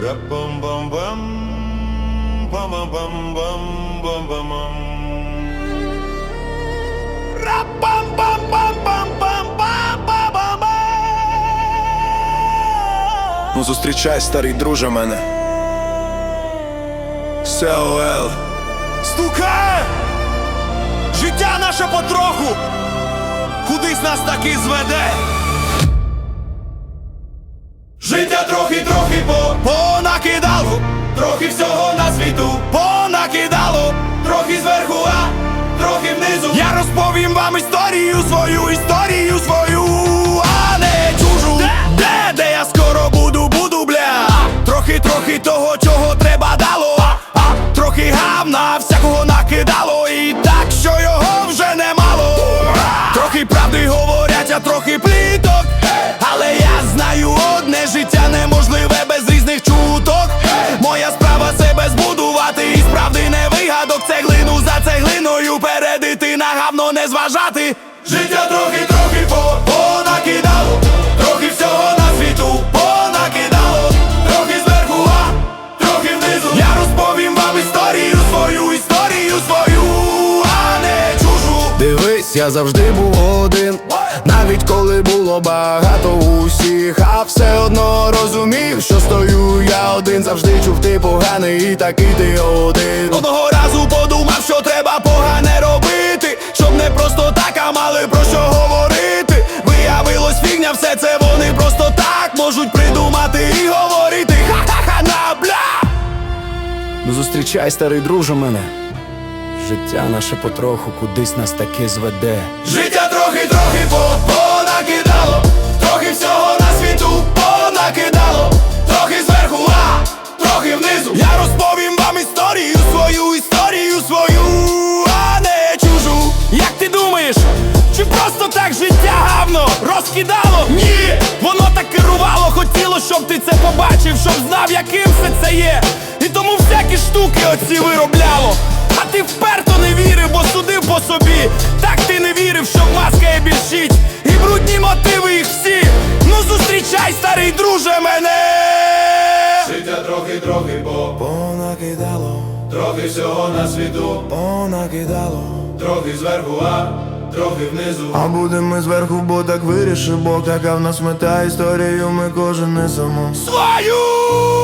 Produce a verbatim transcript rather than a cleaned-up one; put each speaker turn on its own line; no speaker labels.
Ра-бам-бам-бам, бам-бам-бам-бам-бам-бам. Ра-бам-бам-бам-бам-бам-бам-бам.
Ну зустрічай, старий друже, мене. СОЛ.
Стукає! Життя наше потроху кудись нас таки зведе. Життя трохи-трохи по понакидало, трохи всього на світу понакидало, трохи зверху, а трохи внизу. Я розповім вам історію свою, історію свою, а не чужу. Де, де я скоро буду, буду, бля. Трохи-трохи того, чого треба дало, а, трохи гавна всякого накидало, і так, що його вже немало. Трохи правди говорять, а трохи пліток, але я знаю одне: життя неможливе без різних чуток. Моя справа себе збудувати, і справди не вигадок. Цеглину за цеглиною передити, на гавно не зважати. Життя трохи-трохи по понакидало, трохи всього на світу понакидало, трохи зверху, а трохи внизу. Я розповім вам історію свою, історію свою, а не чужу.
Дивись, я завжди був один, навіть коли було багато усіх, а все одно розумів, що стою я один. Завжди чув, ти поганий і такий ти один.
Одного разу подумав, що треба погане робити, щоб не просто так, а мали про що говорити. Виявилось фігня, все це вони просто так можуть придумати і говорити. Ха-ха-ха, на бля.
Ну зустрічай, старий друже, мене. Життя наше потроху кудись нас таки зведе.
Життя трохи-трохи по понакидало, трохи всього на світу понакидало, трохи зверху, а трохи внизу. Я розповім вам історію свою, історію свою, а не чужу. Як ти думаєш, чи просто так життя гавно розкидало? Ні, воно так керувало, хотіло, щоб ти це побачив, щоб знав, яким все це є. І тому всякі штуки оці виробляло. А ти вперто не вірив, бо судив по собі. Так ти не вірив, що маска є більшість, і брудні мотиви їх всі. Ну зустрічай, старий друже, мене. Життя трохи-трохи по понакидало, трохи всього на світу понакидало, трохи зверху, а трохи внизу.
А будем ми зверху, бо так вирішив Бог. Така в нас мета, історію ми кожен несемо
Свою!